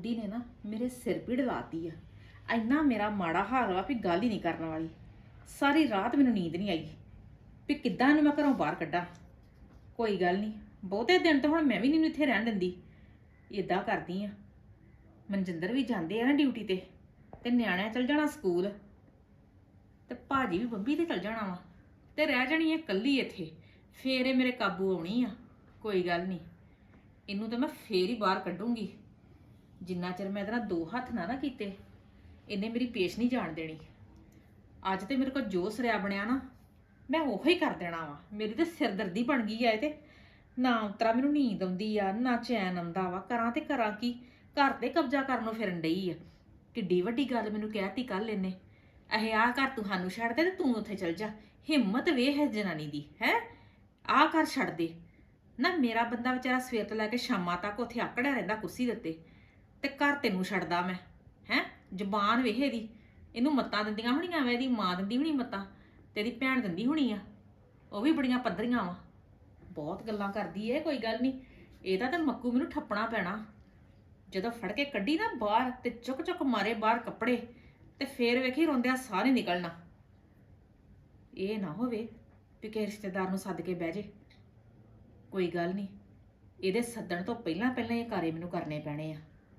ਬੁੱਢੀ ਨੇ ਨਾ ਮੇਰੇ ਸਿਰ ਪੀੜ ਲਾਤੀ ਆ। ਇੰਨਾ ਮੇਰਾ ਮਾੜਾ ਹਾਲ ਵਾ ਵੀ ਗੱਲ ਹੀ ਨਹੀਂ ਕਰਨ ਵਾਲੀ। ਸਾਰੀ ਰਾਤ ਮੈਨੂੰ ਨੀਂਦ ਨਹੀਂ ਆਈ ਵੀ ਕਿੱਦਾਂ ਇਹਨੂੰ ਮੈਂ ਘਰੋਂ ਬਾਹਰ ਕੱਢਾਂ। ਕੋਈ ਗੱਲ ਨਹੀਂ, ਬਹੁਤੇ ਦਿਨ ਤਾਂ ਹੁਣ ਮੈਂ ਵੀ ਨਹੀਂ ਇੱਥੇ ਰਹਿਣ ਦਿੰਦੀ। ਇਦਾਂ ਕਰਦੀ ਆ, ਮਨਜਿੰਦਰ ਵੀ ਜਾਂਦੇ ਆ ਨਾ ਡਿਊਟੀ ਤੇ ਨਿਆਣਿਆਂ ਚਲ ਜਾਣਾ ਸਕੂਲ, ਤੇ ਭਾਜੀ ਵੀ ਬੰਬੀ ਤੇ ਚਲ ਜਾਣਾ ਵਾ, ਤੇ ਰਹਿ ਜਾਣੀ ਹੈ ਇਕੱਲੀ ਇੱਥੇ। ਫੇਰ ਇਹ ਮੇਰੇ ਕਾਬੂ ਆਉਣੀ ਆ। ਕੋਈ ਗੱਲ ਨਹੀਂ, ਇਹਨੂੰ ਤਾਂ ਮੈਂ ਫੇਰ ਹੀ ਬਾਹਰ ਕੱਢੂੰਗੀ। ਜਿੰਨਾ ਚਿਰ ਮੈਂ ਇਹਦੇ ਨਾਲ ਦੋ ਹੱਥ ਨਾ ਕੀਤੇ, ਇਹਨੇ ਮੇਰੀ ਪੇਸ਼ ਨਹੀਂ ਜਾਣ ਦੇਣੀ। ਅੱਜ ਤੇ ਮੇਰੇ ਕੋਲ ਜੋ ਸਰਿਆ ਬਣਿਆ ਨਾ, ਮੈਂ ਉਹੋ ਹੀ ਕਰ ਦੇਣਾ ਵਾ। ਮੇਰੀ ਤੇ ਸਿਰਦਰਦੀ ਬਣ ਗਈ ਆ ਇਹ ਤੇ। ਨਾ ਉਤਰਾ ਮੈਨੂੰ ਨੀਂਦ ਆਉਂਦੀ ਆ, ਨਾ ਚੈਨ ਆਉਂਦਾ ਵਾ। ਕਰਾਂ ਤੇ ਕਰਾਂ ਕੀ? ਘਰ ਤੇ ਕਬਜ਼ਾ ਕਰਨ ਨੂੰ ਫਿਰਨ ਡਈ ਆ। ਕਿੱਡੀ ਵੱਡੀ ਗੱਲ ਮੈਨੂੰ ਕਹਿਤੀ ਕੱਲ ਇਹਨੇ, ਇਹ ਆਹ ਘਰ ਤੂੰ ਸਾਨੂੰ ਛੱਡ ਦੇ ਤੇ ਤੂੰ ਉੱਥੇ ਚਲ ਜਾ। ਹਿੰਮਤ ਵੇਖ ਹੈ ਜਨਾਨੀ ਦੀ, ਹੈ ਆਹ ਘਰ ਛੱਡ ਦੇ ਨਾ। ਮੇਰਾ ਬੰਦਾ ਵਿਚਾਰਾ ਸਵੇਰ ਤੋਂ ਲੈ ਕੇ ਸ਼ਾਮਾਂ ਤੱਕ ਉੱਥੇ ਆਕੜਿਆ ਰਹਿੰਦਾ ਕੁਰਸੀ ਦੇ ਉੱਤੇ, ਤੇ ਘਰ ਤੈਨੂੰ ਛੱਡਦਾ ਮੈਂ? ਹੈ ਜ਼ਬਾਨ ਵੇਖ ਇਹਦੀ। ਇਹਨੂੰ ਮੱਤਾਂ ਦਿੰਦੀਆਂ ਹੋਣੀਆਂ ਵਾ, ਇਹਦੀ ਮਾਂ ਦਿੰਦੀ ਹੋਣੀ ਮੱਤਾਂ, ਤੇ ਇਹਦੀ ਭੈਣ ਦਿੰਦੀ ਹੋਣੀ ਆ, ਉਹ ਵੀ ਬੜੀਆਂ ਪੱਧਰੀਆਂ ਵਾ। ਬਹੁਤ ਗੱਲਾਂ ਕਰਦੀ ਏ। ਕੋਈ ਗੱਲ ਨਹੀਂ, ਇਹਦਾ ਤਾਂ ਮੱਕੂ ਮੈਨੂੰ ਠੱਪਣਾ ਪੈਣਾ। ਜਦੋਂ ਫੜ ਕੇ ਕੱਢੀ ਨਾ ਬਾਹਰ ਤੇ ਚੁੱਕ ਚੁੱਕ ਮਾਰੇ ਬਾਹਰ ਕੱਪੜੇ, ਤੇ ਫੇਰ ਵੇਖੀ ਰੋਂਦਿਆਂ ਸਾਹ ਨਹੀਂ ਨਿਕਲਣਾ। ਇਹ ਨਾ ਹੋਵੇ ਵੀ ਕਿਸੇ ਰਿਸ਼ਤੇਦਾਰ ਨੂੰ ਸੱਦ ਕੇ ਬਹਿ ਜੇ। ਕੋਈ ਗੱਲ ਨਹੀਂ, ਇਹਦੇ ਸੱਦਣ ਤੋਂ ਪਹਿਲਾਂ ਪਹਿਲਾਂ ਇਹ ਕਾਰੇ ਮੈਨੂੰ ਕਰਨੇ ਪੈਣੇ ਆ।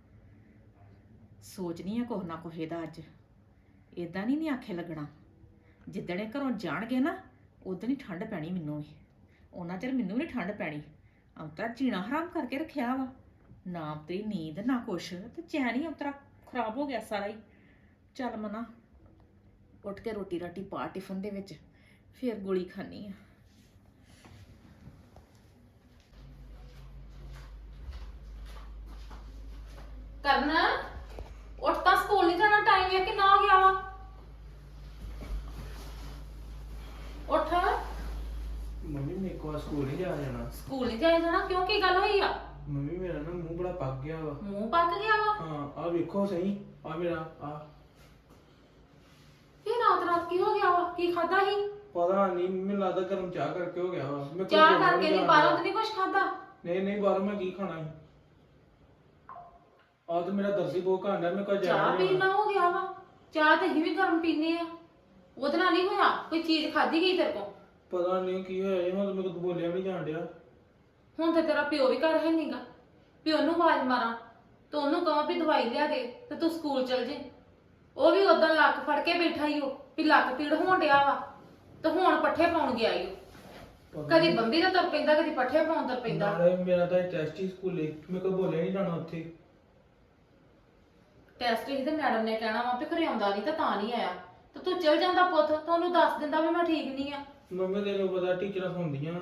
ਸੋਚਣੀ ਆ ਕੁਛ ਨਾ ਕੁਛ ਇਹਦਾ ਅੱਜ। ਇਦਾਂ ਨਹੀਂ ਆਖੇ ਲੱਗਣਾ। ਜਿੱਦਣ ਇਹ ਘਰੋਂ ਜਾਣਗੇ ਨਾ, ਉਦੋਂ ਹੀ ਠੰਡ ਪੈਣੀ ਮੈਨੂੰ ਵੀ। ਉਹਨਾਂ ਚਿਰ ਮੈਨੂੰ ਵੀ ਠੰਡ ਪੈਣੀ। ਅੰਤਰਾ ਜੀਣਾ ਹਰਾਮ ਕਰਕੇ ਰੱਖਿਆ ਵਾ। ਨਾ ਤੇਰੀ ਨੀਂਦ ਨਾ ਕੁਛ, ਤੇ ਚੈਨ ਹੀ ਅੰਤਰਾ ਖਰਾਬ ਹੋ ਗਿਆ ਸਾਰਾ ਹੀ। ਚੱਲ ਮਨਾ, ਉੱਠ ਕੇ ਰੋਟੀ ਰਾਟੀ ਪਾ ਟਿਫਨ ਦੇ ਵਿੱਚ, ਫੇਰ ਗੋਲੀ ਖਾਣੀ ਆ। ਕਰਨਾ ਉੱਠ, ਤਾਂ ਸਕੂਲ ਨਹੀਂ ਜਾਣਾ। ਟਾਈਮ ਹੈ ਕਿੰਨਾ ਹੋ ਗਿਆ ਵਾ? ਉੱਠ। ਮੰਮੀ ਮੇਰੇ ਕੋਲ ਸਕੂਲ ਨਹੀਂ ਜਾਣਾ। ਸਕੂਲ ਨਹੀਂ ਜਾਇਆ ਜਾਣਾ? ਕਿਉਂ, ਕੀ ਗੱਲ ਹੋਈ ਆ? ਮੰਮੀ ਮੇਰਾ ਨਾ ਮੂੰਹ ਬੜਾ ਪੱਕ ਗਿਆ ਵਾ। ਮੂੰਹ ਪੱਕ ਗਿਆ ਵਾ? ਹਾਂ, ਆ ਵੇਖੋ ਸਹੀ, ਆ ਮੇਰਾ ਆ। ਇਹ ਰਾਤ ਕੀ ਹੋ ਗਿਆ ਵਾ? ਕੀ ਖਾਦਾ ਸੀ? ਪਤਾ ਨਹੀਂ, ਮੈਨੂੰ ਲੱਗਦਾ ਗਰਮ ਚਾਹ ਕਰਕੇ ਹੋ ਗਿਆ ਵਾ। ਮੈਂ ਚਾਹ ਕਰਕੇ ਨਹੀਂ, ਬਾਹਰੋਂ ਤੇ ਨਹੀਂ ਕੁਝ ਖਾਦਾ? ਨਹੀਂ ਬਾਹਰੋਂ ਮੈਂ ਕੀ ਖਾਣਾ ਹੈ? ਆ ਤੇ ਮੇਰਾ ਦਰਦੀ ਬਹੁਤ ਘਾਂਡਾ, ਮੈਂ ਕਾ ਜਾ ਚਾਹ ਪੀਣਾ ਹੋ ਗਿਆ ਵਾ? ਚਾਹ ਤੇ ਅਸੀਂ ਵੀ ਗਰਮ ਪੀਨੇ ਆ, ਉਹਦੇ ਨਾਲ ਨਹੀਂ ਹੋਇਆ। ਕੋਈ ਚੀਜ਼ ਖਾਦੀ ਗਈ ਤੇਰੇ ਕੋਲ? ਪਤਾ ਨਹੀਂ ਕੀ ਹੋਇਆ, ਇਹ ਹੁਣ ਮੇਰੇ ਕੋਲ ਬੋਲਿਆ ਵੀ ਨਹੀਂ ਜਾਣ ਡਿਆ। ਹੁਣ ਤੇ ਤੇਰਾ ਪਿਓ ਵੀ ਘਰ ਹੈ ਨਹੀਂਗਾ, ਪਿਓ ਨੂੰ ਆਵਾਜ਼ ਮਾਰਾਂ ਤੇ ਉਹਨੂੰ ਕਹਾਂ ਵੀ ਦਵਾਈ ਲਿਆ ਦੇ ਤੇ ਤੂੰ ਸਕੂਲ ਚਲ ਜੇ। ਉਹ ਵੀ ਉਦੋਂ ਲੱਕ ਫੜ ਕੇ ਬੈਠਾ ਹੀ, ਉਹ ਵੀ ਲੱਕ ਪੀੜ ਹੋਣ ਡਿਆ ਵਾ, ਤੇ ਹੁਣ ਪੱਠੇ ਪਾਉਣ ਗਿਆ ਈ। ਕਦੀ ਬੰਬੀ ਦਾ ਤੁਰ ਪੈਂਦਾ, ਕਦੀ ਪੱਠੇ ਪਾਉਣ ਤੁਰ ਪੈਂਦਾ। ਮੇਰਾ ਤਾਂ ਟੈਸਟ ਹੀ ਸਕੂਲੇ, ਮੇਰੇ ਕੋਲ ਬੋਲਿਆ ਨਹੀਂ ਜਾਣਾ ਉੱਥੇ। ਟੈਸਟ ਹੀ ਤੇ ਮੈਡਮ ਨੇ ਕਹਿਣਾ ਵਾ ਵੀ ਘਰੇ ਆਉਂਦਾ ਨਹੀਂ ਤਾਂ ਨਹੀਂ ਆਇਆ। ਤੇ ਤੂੰ ਚਲ ਜਾਂਦਾ ਪੁੱਤ, ਤਾਂ ਉਹਨੂੰ ਦੱਸ ਦਿੰਦਾ ਵੀ ਮੈਂ ਠੀਕ ਨਹੀਂ ਆ। ਮੰਮੀ ਤੈਨੂੰ ਪਤਾ ਟੀਚਰਾਂ ਹੁੰਦੀਆਂ।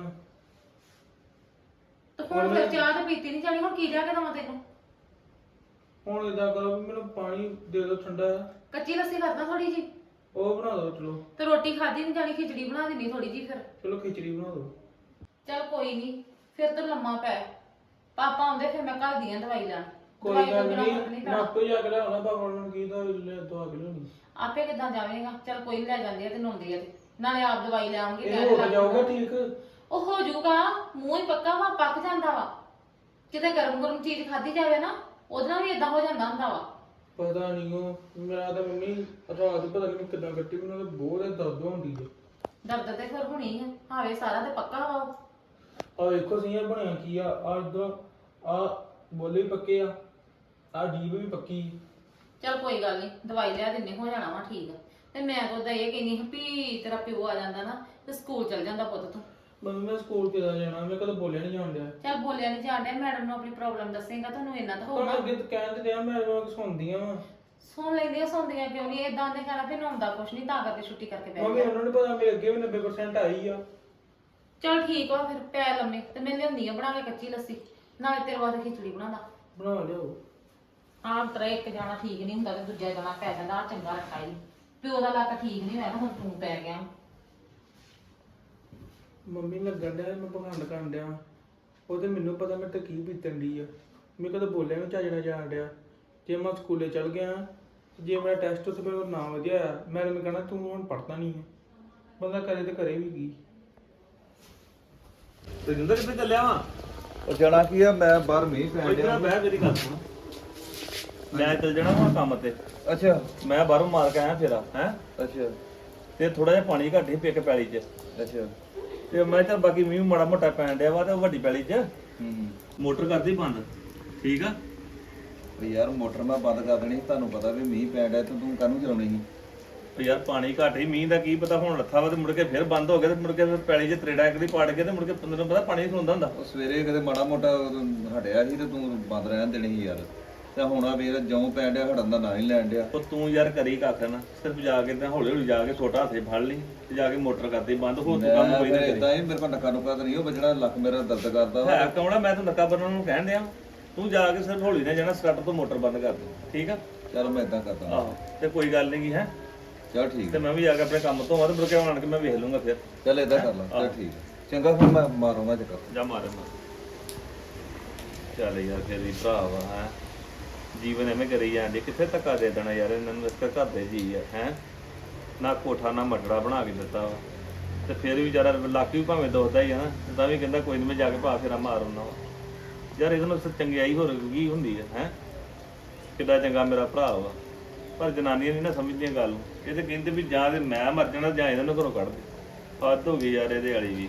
ਤੇ ਹੁਣ ਫਿਰ ਚਾਹ ਤੇ ਪੀਤੀ ਨਹੀਂ ਜਾਣੀ, ਹੁਣ ਕੀ ਲਿਆ ਕੇ ਦਵਾਂ ਤੈਨੂੰ? ਹੁਣ ਇਦਾਂ ਕਰੋ, ਮੈਨੂੰ ਪਾਣੀ ਦੇ ਦਿਓ ਠੰਡਾ। ਕੱਚੀ ਲੱਸੀ ਕਰਦਾ ਥੋੜੀ ਜੀ, ਉਹ ਬਣਾ ਦਿਓ ਚਲੋ। ਤੇ ਰੋਟੀ ਖਾਦੀ ਨਹੀਂ ਜਾਣੀ, ਖਿਚੜੀ ਬਣਾ ਦਿੰਨੀ ਥੋੜੀ ਜੀ ਫਿਰ। ਚਲੋ ਖਿਚੜੀ ਬਣਾ ਦਿਓ। ਚੱਲ ਕੋਈ ਨਹੀਂ, ਫਿਰ ਤੂੰ ਲੰਮਾ ਪੈ। ਪਾਪਾ ਆਉਂਦੇ ਫਿਰ ਮੈਂ ਘਰ ਦੀਆਂ ਦਵਾਈ ਲੈਣ। ਕੋਈ ਗੱਲ ਨਹੀਂ, ਮੈਂ ਆਪੇ ਜਾ ਕੇ ਲਿਆਉਣਾ। ਪਾਪਾ ਨੂੰ ਕੀ ਦਾ ਦਵਾ ਕੇ ਲਿਆਉਣੀ। ਆਪੇ ਕਿੱਦਾਂ ਜਾਵੇਂਗਾ? ਚੱਲ ਕੋਈ ਨੀ, ਲੈ ਜਾਂਦੇ ਆ ਤੇ ਨਹਾਉਂਦੇ ਆ ਤੇ ਨਾਲੇ ਆਪ ਦਵਾਈ ਲੈ ਆਉਣਗੇ। ਇਹ ਹੋ ਜਾਊਗਾ ਠੀਕ? ਉਹ ਹੋ ਜਾਊਗਾ, ਮੂੰਹ ਹੀ ਪੱਕਾ ਵਾ, ਪੱਕ ਜਾਂਦਾ ਵਾ। ਕਿਤੇ ਗਰਮ ਚੀਜ਼ ਖਾਧੀ ਜਾਵੇ ਨਾ, ਉਹਦੇ ਨਾਲ ਵੀ ਇਦਾਂ ਹੋ ਜਾਂਦਾ ਹੁੰਦਾ ਵਾ। ਪਤਾ ਨਹੀਂ, ਉਹ ਮੇਰਾ ਤਾਂ ਮੰਮੀ ਰਾਤ ਪਤਾ ਨਹੀਂ ਕਿੱਦਾਂ ਕੱਟੀ, ਮੈਨੂੰ ਤਾਂ ਬਹੁਤ ਦਰਦ ਹੁੰਦੀ ਹੈ। ਦਰਦ ਤੇ ਫਿਰ ਹੋਣੀ ਆ, ਹਾਵੇ ਸਾਰਾ ਤੇ ਪੱਕਾ ਵਾ। ਆ ਵੇਖੋ ਸਹੀ ਬਣਿਆ ਕੀ ਆ। ਆ ਇਧਰ ਆ ਬੋਲੇ ਵੀ ਪੱਕੇ ਆ, ਆ ਜੀਭ ਵੀ ਪੱਕੀ। ਚੱਲ ਕੋਈ ਗੱਲ ਨਹੀਂ, ਦਵਾਈ ਲਿਆ ਦਿੰਨੇ, ਹੋ ਜਾਣਾ ਵਾ ਠੀਕ। ਤੇ ਮੈਂ ਤਾਂ ਉਦਾਂ ਇਹ ਕਹਿੰਦੀ ਹਾਂ ਵੀ ਤੇਰਾ ਪਿਓ ਆ ਜਾਂਦਾ ਨਾ ਤੇ ਸਕੂਲ ਚਲ ਜਾਂਦਾ ਪੁੱਤ ਤੂੰ। ਮੰਮੀ ਮੈਂ ਸਕੂਲ ਕਿੱਦਾਂ ਜਾਣਾ? ਮੈਂ ਕਦੇ ਬੋਲਿਆ ਨਹੀਂ ਜਾਣ ਡਿਆ। ਚੱਲ ਬੋਲਿਆ ਨਹੀਂ ਜਾਣ ਡਿਆ, ਮੈਡਮ ਨੂੰ ਆਪਣੀ ਪ੍ਰੋਬਲਮ ਦੱਸੇਗਾ, ਤੁਹਾਨੂੰ ਇੰਨਾ ਤਾਂ ਪਰ ਹੋਊਗਾ। ਅੱਗੇ ਤਾਂ ਕਹਿਣ ਤੇ ਡਿਆ, ਮੈਂ ਸੁਣਦੀਆਂ ਵਾ। ਸੁਣ ਲੈਂਦੀਆਂ, ਸੁਣਦੀਆਂ ਕਿਉਂ ਨਹੀਂ? ਏਦਾਂ ਦੇ ਕਹਿਣਾ ਵੀ ਨਹਾਉਂਦਾ ਕੁਛ ਨਹੀਂ, ਤਾਂ ਕਰਕੇ ਛੁੱਟੀ ਕਰਕੇ ਬੈਠ ਮੰਮੀ ਉਹਨਾਂ ਨੂੰ ਪਤਾ ਮੇਰੇ ਅੱਗੇ ਵੀ 90% ਆਈ ਆ। ਚੱਲ ਠੀਕ ਵਾ ਫਿਰ, ਪੈ ਲੰਮੇ। ਤੇ ਮੈਂ ਲਿਆਉਂਦੀ ਆ ਬਣਾ ਕੇ ਕੱਚੀ ਲੱਸੀ, ਨਾਲੇ ਤੇਰੇ ਵਾਸਤੇ ਖਿਚੜੀ ਬਣਾਦਾ। ਬਣਾ ਲਿਓ। ਆਹ ਤਰਾ ਇੱਕ ਜਾਣਾ ਠੀਕ ਨਹੀਂ ਹੁੰਦਾ ਤੇ ਦੂਜਾ ਜਾਣਾ ਪੈ ਜਾਂਦਾ। ਆ ਚੰਗਾ ਰੱਖਾ ਹੀ, ਪਿਓ ਦਾ ਲੱਕ ਠੀਕ ਨਹੀਂ ਹੋਇਆ ਨਾ, ਹੁਣ ਤੂੰ ਪੈ ਗਿਆ। ਮੰਮੀ ਲੱਗਣ ਡਿਆ ਮੈਂ ਪਖੰਡ ਕਰਨ ਡਿਆ। ਉਹ ਤੇ ਮੈਨੂੰ ਪਤਾ ਮੇਰੇ ਤੇ ਕੀ ਬੀਤਣ ਡਈ ਆ। ਮੈਂ ਕਦੇ ਬੋਲਿਆ ਨਹੀਂ ਚੱਜਣਾ ਜਾਣ ਡਿਆ। ਜੇ ਮੈਂ ਸਕੂਲੇ ਚਲ ਗਿਆ, ਜੇ ਮੇਰਾ ਟੈਸਟ ਉੱਥੇ ਮੇਰਾ ਨਾ ਵਧੀਆ ਆ, ਮੈਡਮ ਨੇ ਕਹਿਣਾ ਤੂੰ ਹੁਣ ਪੜ੍ਹਦਾ ਨਹੀਂ ਹੈ। ਬੰਦਾ ਕਰੇ ਤੇ ਕਰੇ ਵੀ ਕੀ। ਤੇ ਜਿੰਦਰ ਕਿੱਥੇ ਚੱਲਿਆ ਵਾ? ਉਹ ਜਾਣਾ ਕੀ ਆ, ਮੈਂ ਬਾਹਰ ਮੀਂਹ ਪੈਣ ਇੱਧਰ ਡਿਆ। ਬਹਿ ਮੇਰੀ ਗੱਲ ਸੁਣ। ਮੈਂ ਚੱਲ ਜਾਣਾ ਹੁਣ ਕੰਮ ਤੇ। ਅੱਛਾ ਮੈਂ ਬਾਹਰੋਂ ਮਾਰ ਕੇ ਆਇਆ ਫੇਰਾ ਹੈ ਅੱਛਾ ਤੇ ਥੋੜਾ ਜਿਹਾ ਪਾਣੀ ਘੱਟ ਹੀ ਪਿੱਕ ਪੈਲੀ 'ਚ ਅੱਛਾ ਤੇ ਮੈਂ ਚੱਲ ਬਾਕੀ ਮੀਂਹ ਮਾੜਾ ਮੋਟਾ ਪੈਣ ਡਿਆ ਵਾ ਤੇ ਉਹ ਵੱਡੀ ਪੈਲੀ 'ਚ ਹੂੰ ਮੋਟਰ ਕਰਦੀ ਬੰਦ। ਠੀਕ ਆ। ਉਹ ਯਾਰ ਮੋਟਰ ਮੈਂ ਬੰਦ ਕਰ ਦੇਣੀ ਸੀ, ਤੁਹਾਨੂੰ ਪਤਾ ਵੀ ਮੀਂਹ ਪੈਣ ਡਿਆ ਤੇ ਤੂੰ ਕਾਹਨੂੰ ਚਲਾਉਣੀ ਸੀ? ਤੇ ਯਾਰ ਪਾਣੀ ਘੱਟ ਹੀ ਮੀਂਹ ਦਾ ਕੀ ਪਤਾ ਹੁਣ ਲੱਥਾ ਵਾ ਤੇ ਮੁੜ ਕੇ ਫਿਰ ਬੰਦ ਹੋ ਗਿਆ ਤੇ ਮੁੜ ਕੇ ਫਿਰ ਪੈਲੀ 'ਚ ਤਰੇੜਾ ਇੱਕ ਦੀ ਪਾੜ ਕੇ ਤੇ ਮੁੜ ਕੇ 15 ਪਤਾ ਪਾਣੀ ਨਹੀਂ ਹੁੰਦਾ ਹੁੰਦਾ। ਉਹ ਸਵੇਰੇ ਕਦੇ ਮਾੜਾ ਮੋਟਾ ਉਦੋਂ ਹਟਿਆ ਸੀ ਤੇ ਤੂੰ ਬੰਦ ਰਹਿਣ ਦੇਣੀ ਸੀ ਯਾਰ। ਤੇ ਹੁਣ ਆ ਵੀਰ ਜਿਉਂ ਪੈਣ ਡਿਆ ਹਟਣ ਦਾ ਨਾਂ ਹੀ ਲੈਣ ਡਿਆ। ਉਹ ਤੂੰ ਯਾਰ ਕਰੀ ਕੱਖ ਨਾ ਸਿਰਫ ਜਾ ਕੇ ਤੇ ਹੌਲੀ ਹੌਲੀ ਜਾ ਕੇ ਛੋਟਾ ਹੱਥੇ ਫੜ ਲਈ ਤੇ ਜਾ ਕੇ ਮੋਟਰ ਕਰਦੀ ਬੰਦ ਹੋ ਤੂੰ ਕੰਮ ਕੋਈ ਨਾ ਕਰੀ। ਇਦਾਂ ਹੀ ਮੇਰੇ ਕੋਲ ਨੱਕਾ ਨੁੱਕਾ ਤਾਂ ਨਹੀਂ ਉਹ ਵੱਜਣਾ, ਲੱਕ ਮੇਰਾ ਦਰਦ ਕਰਦਾ ਵਾ। ਹੈ ਕੌਣਾ ਮੈਂ ਤਾਂ ਨੱਕਾ ਬੰਨਣ ਨੂੰ ਕਹਿਣ ਡਿਆ। ਤੂੰ ਜਾ ਕੇ ਸਿਰਫ ਹੌਲੀ ਨਾਲ ਜਾਣਾ ਸਟਾਰਟਰ ਤੋਂ ਮੋਟਰ ਬੰਦ ਕਰ ਦੇ। ਠੀਕ ਆ। ਚੱਲ ਮੈਂ ਇਦਾਂ ਕਰਦਾ। ਆਹੋ ਤੇ ਕੋਈ ਗੱਲ ਨਹੀਂ ਹੈ ਚੱਲ ਠੀਕ ਤੇ ਹੈ। ਮੈਂ ਵੀ ਜਾ ਕੇ ਆਪਣੇ ਕੰਮ ਤੋਂ ਆ ਤੇ ਮੁੜ ਕੇ ਆਣ ਕੇ ਮੈਂ ਵੇਖ ਲੂੰਗਾ ਫਿਰ। ਚੱਲ ਇਦਾਂ ਕਰ ਲਾ। ਚੱਲ ਠੀਕ ਹੈ ਚੰਗਾ ਫਿਰ ਮੈਂ ਮਾਰੂੰਗਾ ਚੱਕਰ। ਜਾ ਮਾਰੇ ਮਾਰ ਚੱਲ ਯਾਰ ਫਿਰ ਵੀ ਭਰਾ ਵਾ ਹੈ ਜੀਵਨ ਐਵੇਂ ਕਰੀ ਜਾਂਦੇ ਕਿੱਥੇ ਧੱਕਾ ਦੇ ਦੇਣਾ ਯਾਰ ਇਹਨਾਂ ਨੂੰ। ਇਸ ਕਰ ਘਰ ਦੇ ਜੀ ਆ ਹੈ ਨਾ ਕੋਠਾ ਨਾ ਮਟੜਾ ਬਣਾ ਕੇ ਦਿੱਤਾ ਵਾ ਤੇ ਫਿਰ ਵੀ ਵਿਚਾਰਾ ਲੱਕ ਵੀ ਭਾਵੇਂ ਦੁਖਦਾ ਹੀ ਆ ਨਾ ਤਾਂ ਵੀ ਕਹਿੰਦਾ ਕੋਈ ਨਹੀਂ ਮੈਂ ਜਾ ਕੇ ਭਾ ਫੇਰਾ ਮਾਰ ਆਉਣਾ ਵਾ। ਯਾਰ ਇਹਦੇ ਨਾਲ ਚੰਗਿਆਈ ਹੋਰ ਕੀ ਹੁੰਦੀ ਹੈ ਕਿੱਡਾ ਚੰਗਾ ਮੇਰਾ ਭਰਾ ਵਾ ਪਰ ਜਨਾਨੀਆਂ ਨਹੀਂ ਨਾ ਸਮਝਦੀਆਂ ਗੱਲ ਨੂੰ। ਇਹ ਤੇ ਕਹਿੰਦੇ ਵੀ ਜਾਂ ਤੇ ਮੈਂ ਮਰ ਜਾਣਾ ਜਾਂ ਇਹਨਾਂ ਨੂੰ ਘਰੋਂ ਕੱਢ ਦੇ। ਹੱਦ ਹੋ ਗਈ ਯਾਰ ਇਹਦੇ ਵਾਲੀ ਵੀ।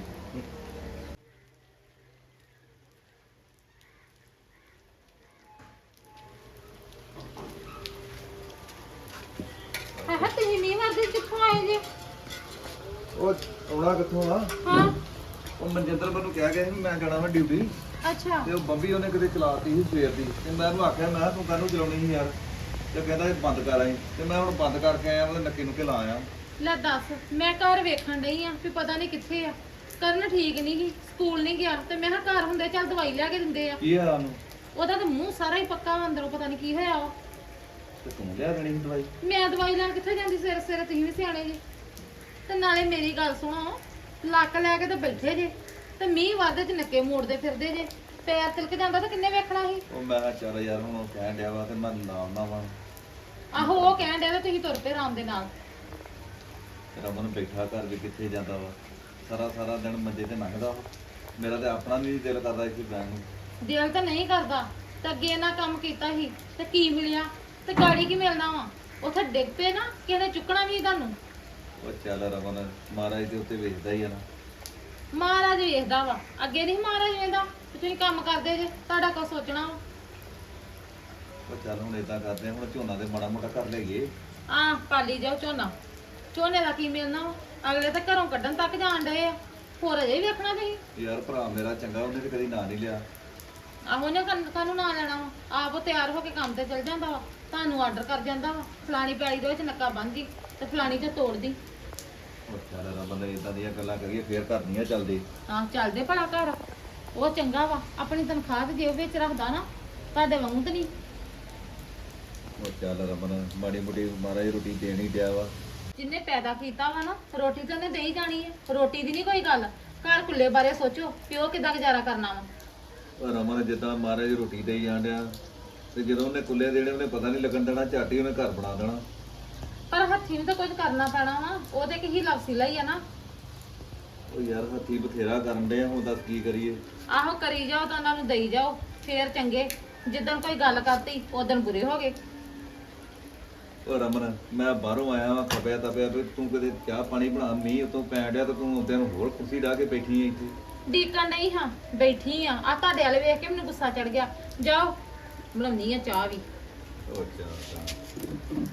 ਹਾਂ ਤੁਸੀਂ ਮੀਂਹ ਵਰਦੇ ਕਿੱਥੋਂ ਆਏ ਜੇ? ਉਹ ਆਉਣਾ ਕਿੱਥੋਂ ਆ? ਹਾਂ ਉਹ ਮਨਜਿੰਦਰ ਮੈਨੂੰ ਕਹਿ ਗਿਆ ਸੀ ਵੀ ਮੈਂ ਜਾਣਾ ਵਾ ਡਿਊਟੀ ਅੱਛਾ ਤੇ ਉਹ ਬੰਬੀ ਉਹਨੇ ਕਿਤੇ ਚਲਾਤੀ ਸੀ ਸਵੇਰ ਦੀ ਤੇ ਮੈਂ ਉਹਨੂੰ ਆਖਿਆ ਮੈਂ ਕਿਹਾ ਤੂੰ ਕਾਹਨੂੰ ਚਲਾਉਣੀ ਸੀ ਯਾਰ ਤੇ ਕਹਿੰਦਾ ਇਹ ਬੰਦ ਕਰ ਆਈ ਤੇ ਮੈਂ ਹੁਣ ਬੰਦ ਕਰਕੇ ਆਇਆ ਉਹਦੇ ਨੱਕੇ ਨੁੱਕੇ ਲਾ ਆਇਆ। ਲੈ ਦੱਸ ਮੈਂ ਘਰ ਵੇਖਣ ਡਈ ਆ ਵੀ ਪਤਾ ਨਹੀਂ ਕਿੱਥੇ ਆ। ਕਰਨ ਠੀਕ ਨਹੀਂ ਗਈ ਸਕੂਲ ਨਹੀਂ ਗਿਆ ਤੇ ਮੈਂ ਕਿਹਾ ਘਰ ਹੁੰਦੇ ਚੱਲ ਦਵਾਈ ਲਿਆ ਕੇ ਦਿੰਦੇ ਆ। ਕੀ ਆ ਉਹਨੂੰ? ਉਹਦਾ ਤਾਂ ਮੂੰਹ ਸਾਰਾ ਹੀ ਪੱਕਾ ਵਾ, ਅੰਦਰੋਂ ਪਤਾ ਨਹੀਂ ਕੀ ਹੋਇਆ ਵਾ। ਤੇ ਤੂੰ ਲਿਆ ਦੇਣੀ ਸੀ ਦਵਾਈ? ਮੈਂ ਦਵਾਈ ਲੈਣ ਕਿੱਥੇ ਜਾਂਦੀ ਸਵੇਰੇ ਸਵੇਰੇ, ਤੁਸੀਂ ਵੀ ਸਿਆਣੇ ਜੀ। ਤੇ ਨਾਲੇ ਮੇਰੀ ਗੱਲ ਸੁਣੋ, ਲੱਕ ਲੈ ਕੇ ਤਾਂ ਬੈਠੇ ਜੇ ਤੇ ਮੀਂਹ ਵਾਦੇ ਚ ਨੱਕੇ ਮੋੜਦੇ ਫਿਰਦੇ ਜੇ। ਪੈਰ ਤਿਲਕ ਜਾਂਦਾ ਤਾਂ ਕਿੰਨੇ ਵੇਖਣਾ ਸੀ? ਉਹ ਮੈਂ ਕਿਹਾ ਚੱਲ ਯਾਰ ਹੁਣ ਉਹ ਕਹਿਣ ਡਿਆ ਵਾ ਤੇ ਮੈਂ ਲਾਉਣਾ ਵਾ। ਆਹੋ ਉਹ ਕਹਿਣ ਡਿਆ ਤੇ ਤੁਸੀਂ ਤੁਰ ਪਏ ਆਰਾਮ ਦੇ ਨਾਲ। ਰਮਨ ਬੈਠਾ ਘਰ ਵੀ ਕਿੱਥੇ ਜਾਂਦਾ ਵਾ, ਸਾਰਾ ਸਾਰਾ ਦਿਨ ਮੰਜੇ ਤੇ ਲੰਘਦਾ ਵਾ। ਮੇਰਾ ਤੇ ਆਪਣਾ ਨਹੀਂ ਦਿਲ ਕਰਦਾ ਇੱਥੇ ਬੈਠਣ ਨੂੰ। ਦਿਲ ਤਾਂ ਨਹੀਂ ਕਰਦਾ ਤੇ ਅੱਗੇ ਇਹਨਾਂ ਕੰਮ ਕੀਤਾ ਸੀ ਤੇ ਕੀ ਮਿਲਿਆ ਤੇ ਗਾੜੀ ਕੀ ਮਿਲਣਾ ਵਾ? ਉੱਥੇ ਡਿੱਗ ਪਏ ਨਾ ਕਿਸੇ ਨੇ ਚੁੱਕਣਾ ਵੀ ਤੁਹਾਨੂੰ। ਉਹ ਚੱਲ ਰਮਨ ਮਹਾਰਾਜ ਦੇ ਉੱਤੇ ਵੇਖਦਾ ਹੀ ਆ ਨਾ। ਮਹਾਰਾਜ ਵੇਖਦਾ ਵਾ, ਅੱਗੇ ਨਹੀਂ ਮਹਾਰਾਜ ਵੇਖਦਾ। ਤੁਸੀਂ ਕੰਮ ਕਰਦੇ ਜੇ, ਤੁਹਾਡਾ ਕੁਛ ਸੋਚਣਾ ਵਾ। ਉਹ ਚੱਲ ਹੁਣ ਏਦਾਂ ਕਰਦੇ ਆ, ਹੁਣ ਝੋਨਾ ਤੇ ਮਾੜਾ ਮੋਟਾ ਕਰ ਲਈਏ। ਆਹ ਪਾਲੀ ਜਾਓ ਝੋਨਾ। ਝੋਨੇ ਦਾ ਕੀ ਮਿਲਣਾ ਵਾ? ਅਗਲੇ ਤਾਂ ਘਰੋਂ ਕੱਢਣ ਤੱਕ ਜਾਣ ਡਏ ਆ, ਹੋਰ ਅਜੇ ਵੀ ਵੇਖਣਾ ਤੁਸੀਂ। ਯਾਰ ਭਰਾ ਮੇਰਾ ਚੰਗਾ, ਉਹਨੇ ਤੇ ਕਦੀ ਨਾਂ ਨਹੀਂ ਲਿਆ। ਆਹੋ ਨੇ ਕਾਹਨੂੰ ਨਾ ਲੈਣਾ ਵਾ? ਆਪ ਉਹ ਤਿਆਰ ਹੋ ਕੇ ਕੰਮ ਤੇ ਚਲ ਜਾਂਦਾ ਵਾ, ਤੁਹਾਨੂੰ ਆਰਡਰ ਕਰ ਜਾਂਦਾ ਵਾ ਫਲਾਣੀ ਪਿਆਲੀ ਦੇ ਵਿੱਚ ਨੱਕਾ ਬੰਨ੍ਹਦੀ ਤੇ ਫਲਾਣੀ ਚ ਤੋੜਦੀ। ਉਹ ਚੱਲ ਰਮਨ ਏਦਾਂ ਦੀਆਂ ਗੱਲਾਂ ਕਰੀਏ ਫੇਰ ਘਰ ਨਹੀਂ ਆ ਚੱਲਦੇ। ਆਹ ਚੱਲਦੇ ਭਲਾ ਘਰ। ਉਹ ਚੰਗਾ ਵਾ, ਆਪਣੀ ਤਨਖਾਹ ਤੇ ਜੇਬ ਵਿੱਚ ਰੱਖਦਾ ਨਾ, ਤੁਹਾਡੇ ਵਾਂਗੂ ਤਾਂ ਨਹੀਂ। ਉਹ ਚੱਲ ਰਮਨ ਮਾੜੀ ਮੋਟੀ ਮਹਾਰਾਜ ਰੋਟੀ ਦੇਣ ਹੀ ਡਿਆ ਵਾ। ਜਿੰਨੇ ਪੈਦਾ ਕੀਤਾ ਵਾ ਨਾ, ਰੋਟੀ ਤਾਂ ਉਹਨੇ ਦੇ ਹੀ ਜਾਣੀ ਹੈ। ਰੋਟੀ ਦੀ ਨਹੀਂ ਕੋਈ ਗੱਲ। ਘਰ ਖੁੱਲੇ ਬਾਰੇ ਸੋਚੋ ਕਿ ਉਹ ਕਿੱਦਾਂ ਗੁਜ਼ਾਰਾ ਕਰਨਾ ਵਾ। ਉਹ ਰਮਨ ਜਿੱਦਾਂ ਮਹਾਰਾਜ ਰੋਟੀ ਦੇਈ ਜਾਣ ਡਿਆ ਤੇ ਜਦੋਂ ਉਹਨੇ ਕੁੱਲੇ ਦੇਣੇ ਉਹਨੇ ਪਤਾ ਨਹੀਂ ਲੱਗਣ ਦੇਣਾ, ਝੱਟ ਹੀ ਉਹਨੇ ਘਰ ਬਣਾ ਦੇਣਾ। ਪਰ ਹੱਥੀ ਨੂੰ ਤਾਂ ਕੁਝ ਕਰਨਾ ਪੈਣਾ ਵਾ। ਉਹਦੇ ਕਿ ਹੀ ਲਫ਼ਸੀਲਾ ਹੀ ਆ ਨਾ। ਉਹ ਯਾਰ ਹੱਥੀ ਬਥੇਰਾ ਕਰਨ ਡਿਆ, ਹੁਣ ਦੱਸ ਕੀ ਕਰੀਏ। ਆਹੋ ਕਰੀ ਜਾਓ ਤਾਂ ਉਹਨਾਂ ਨੂੰ ਦੇਈ ਜਾਓ, ਫੇਰ ਚੰਗੇ। ਜਿੱਦਣ ਕੋਈ ਗੱਲ ਕਰਤੀ ਉਦੋਂ ਬੁਰੇ ਹੋ ਗਏ। ਉਹ ਰਮਨ ਮੈਂ ਬਾਹਰੋਂ ਆਇਆ ਵਾਂ ਖਪਿਆ ਤਪਿਆ ਵੀ ਤੂੰ ਕਦੇ ਚਾਹ ਪਾਣੀ ਬਣਾ, ਮੀਂਹ ਉਤੋਂ ਪੈਣ ਡਿਆ ਤੇ ਤੂੰ ਉੱਤੇ ਨੂੰ ਹੋਰ ਕੁਰਸੀ ਢਾ ਕੇ ਬੈਠੀ ਐ ਇੱਥੇ। ਡੀਕਣ ਨਹੀਂ ਹਾਂ, ਬੈਠੀ ਆ। ਆ ਤੁਹਾਡੇ ਵਾਲੇ ਵੇਖ ਕੇ ਮੈਨੂੰ ਗੁੱਸਾ ਚੜ ਗਿਆ। ਜਾਓ ਬਣਾਉਣੀ ਆ ਚਾਹ ਵੀ। ਉਹ ਚਾਹ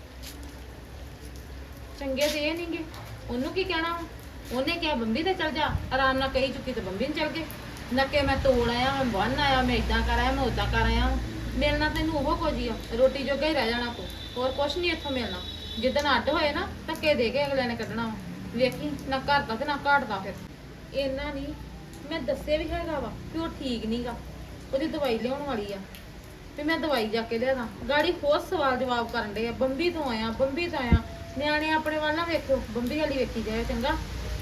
ਚੰਗੇ ਤੇ ਇਹ ਨਹੀਂਗੇ। ਉਹਨੂੰ ਕੀ ਕਹਿਣਾ ਵਾ? ਉਹਨੇ ਕਿਹਾ ਬੰਬੀ ਤੇ ਚਲ ਜਾ, ਆਰਾਮ ਨਾਲ ਕਹੀ ਚੁੱਕੀ ਤੇ ਬੰਬੀ ਨੂੰ ਚਲ ਗਏ। ਨੱਕੇ ਮੈਂ ਤੋੜ ਆਇਆ, ਮੈਂ ਬੰਨ ਆਇਆ, ਮੈਂ ਇਦਾਂ ਕਰ ਆਇਆ, ਮੈਂ ਉਦਾਂ ਕਰ ਆਇਆ। ਮਿਲਣਾ ਤੈਨੂੰ ਉਹ ਕੁਝ ਹੀ ਆ, ਰੋਟੀ ਜੋਗਾ ਹੀ ਰਹਿ ਜਾਣਾ ਤੂੰ, ਹੋਰ ਕੁਛ ਨਹੀਂ ਇੱਥੋਂ ਮਿਲਣਾ। ਜਿੱਦਣ ਅੱਡ ਹੋਏ ਨਾ ਧੱਕੇ ਦੇ ਕੇ ਅਗਲੇ ਨੇ ਕੱਢਣਾ ਵਾ। ਵੇਖੀ ਨਾ ਘਰ ਦਾ ਤੇ ਨਾ ਘਾਟ ਦਾ। ਫਿਰ ਇੰਨਾ ਨਹੀਂ ਮੈਂ ਦੱਸਿਆ ਵੀ ਹੈਗਾ ਵਾ ਕਿ ਉਹ ਠੀਕ ਨਹੀਂਗਾ, ਉਹਦੀ ਦਵਾਈ ਲਿਆਉਣ ਵਾਲੀ ਆ ਵੀ ਮੈਂ ਦਵਾਈ ਜਾ ਕੇ ਲਿਆਦਾ। ਗਾੜੀ ਹੋਰ ਸਵਾਲ ਜਵਾਬ ਕਰਨ ਦੇ ਆ, ਬੰਬੀ ਤੋਂ ਆਇਆ, ਬੰਬੀ ਤੋਂ ਆਇਆ। ਨਿਆਣੇ ਆਪਣੇ ਵੱਲ ਨਾ ਵੇਖੋ, ਬੰਬੀ ਵਾਲੀ ਵੇਖੀ ਜਾਏ ਚੰਗਾ।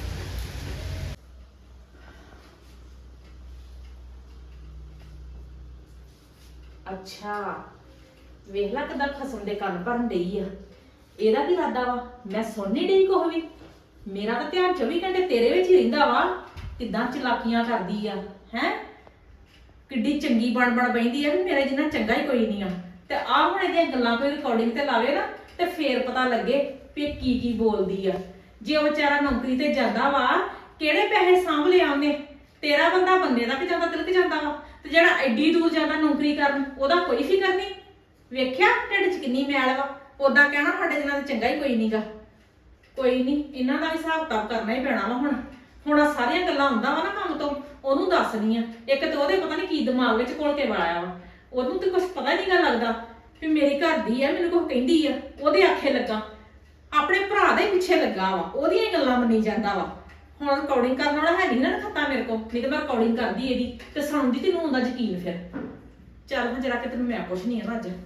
ਅੱਛਾ ਵੇਖ ਲੈ ਕਿਦਾਂ ਖਸਮ ਦੇ ਕੰਨ ਭਰਨ ਡਈ ਆ। ਇਹਦਾ ਕੀ ਇਰਾਦਾ ਵਾ? ਮੈਂ ਸੁਣ ਨਹੀਂ ਡਈ ਕੁਛ ਵੀ। ਮੇਰਾ ਤਾਂ ਧਿਆਨ 24 ਘੰਟੇ ਤੇਰੇ ਵਿੱਚ ਹੀ ਰਹਿੰਦਾ ਵਾ। ਕਿਦਾਂ ਚਲਾਕੀਆਂ ਕਰਦੀ ਆ ਹੈ। ਕਿੱਡੀ ਚੰਗੀ ਬਣ ਬੈਂਦੀ ਆ ਵੀ ਮੇਰੇ ਜਿੰਨਾ ਚੰਗਾ ਹੀ ਕੋਈ ਨਹੀਂ ਆ। ਤੇ ਆਹ ਹੁਣ ਇਹਦੀਆਂ ਗੱਲਾਂ ਕੋਈ ਰਿਕਾਰਡਿੰਗ ਤੇ ਲਾਵੇ ਨਾ ਤੇ ਫੇਰ ਪਤਾ ਲੱਗੇ ਵੀ ਇਹ ਕੀ ਕੀ ਬੋਲਦੀ ਆ। ਜੇ ਉਹ ਵਿਚਾਰਾ ਨੌਕਰੀ ਤੇ ਜਾਂਦਾ ਵਾ, ਕਿਹੜੇ ਪੈਸੇ ਸਾਂਭ ਲਿਆ ਉਹਨੇ? ਤੇਰਾ ਬੰਦਾ ਬੰਦੇ ਦਾ ਕਿ ਜਾਂਦਾ ਤਿਲਕ ਜਾਂਦਾ ਵਾ, ਤੇ ਜਿਹੜਾ ਐਡੀ ਦੂਰ ਜਾਂਦਾ ਨੌਕਰੀ ਕਰਨ ਉਹਦਾ ਕੋਈ ਫਿਕਰ ਨਹੀਂ। ਵੇਖਿਆ ਢਿੱਡ 'ਚ ਕਿੰਨੀ ਮੈਲ ਵਾ। ਉਦਾਂ ਕਹਿਣਾ ਸਾਡੇ ਜਿਨ੍ਹਾਂ ਦਾ ਚੰਗਾ ਹੀ ਕੋਈ ਨਹੀਂਗਾ। ਕੋਈ ਨਹੀਂ, ਇਹਨਾਂ ਦਾ ਵੀ ਹਿਸਾਬ ਕਿਤਾਬ ਕਰਨਾ ਹੀ ਪੈਣਾ ਵਾ ਹੁਣ ਆਹ ਸਾਰੀਆਂ ਗੱਲਾਂ ਹੁੰਦਾ ਵਾ ਨਾ ਕੰਮ ਤੋਂ, ਉਹਨੂੰ ਦੱਸਣੀ ਆ। ਇੱਕ ਤੇ ਉਹਦੇ ਪਤਾ ਨਹੀਂ ਕੀ ਦਿਮਾਗ ਵਿੱਚ ਘੋਲ ਕੇ ਵਾਇਆ ਵਾ, ਉਹਨੂੰ ਤੇ ਕੁਝ ਪਤਾ ਹੀ ਨਹੀਂਗਾ ਲੱਗਦਾ ਵੀ ਮੇਰੀ ਘਰ ਦੀ ਆ, ਮੈਨੂੰ ਕੁਝ ਕਹਿੰਦੀ ਆ, ਉਹਦੇ ਆਖੇ ਲੱਗਾ, ਆਪਣੇ ਭਰਾ ਦੇ ਪਿੱਛੇ ਲੱਗਾ ਵਾ, ਉਹਦੀਆਂ ਹੀ ਗੱਲਾਂ ਮੰਨੀ ਜਾਂਦਾ ਵਾ। ਹੁਣ ਰਿਕਾਰਡਿੰਗ ਕਰਨ ਵਾਲਾ ਹੈ ਨਹੀਂ ਨਾ ਖੱਤਾ ਮੇਰੇ ਕੋਲ, ਨਹੀਂ ਤੇ ਮੈਂ ਰਿਕਾਰਡਿੰਗ ਕਰਦੀ ਇਹਦੀ ਤੇ ਸੁਣਦੀ ਤੈਨੂੰ ਹੁੰਦਾ ਯਕੀਨ। ਫਿਰ ਚੱਲ ਹੁਣ ਜਰਾ ਕਿ ਤੈਨੂੰ ਮੈਂ ਪੁੱਛਣੀ ਆ ਨਾ ਅੱਜ।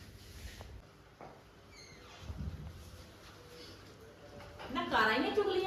ਨਾ ਕਾਰਾਂ ਹੀ ਨਹੀਂ ਚੁਗਲੀਆਂ,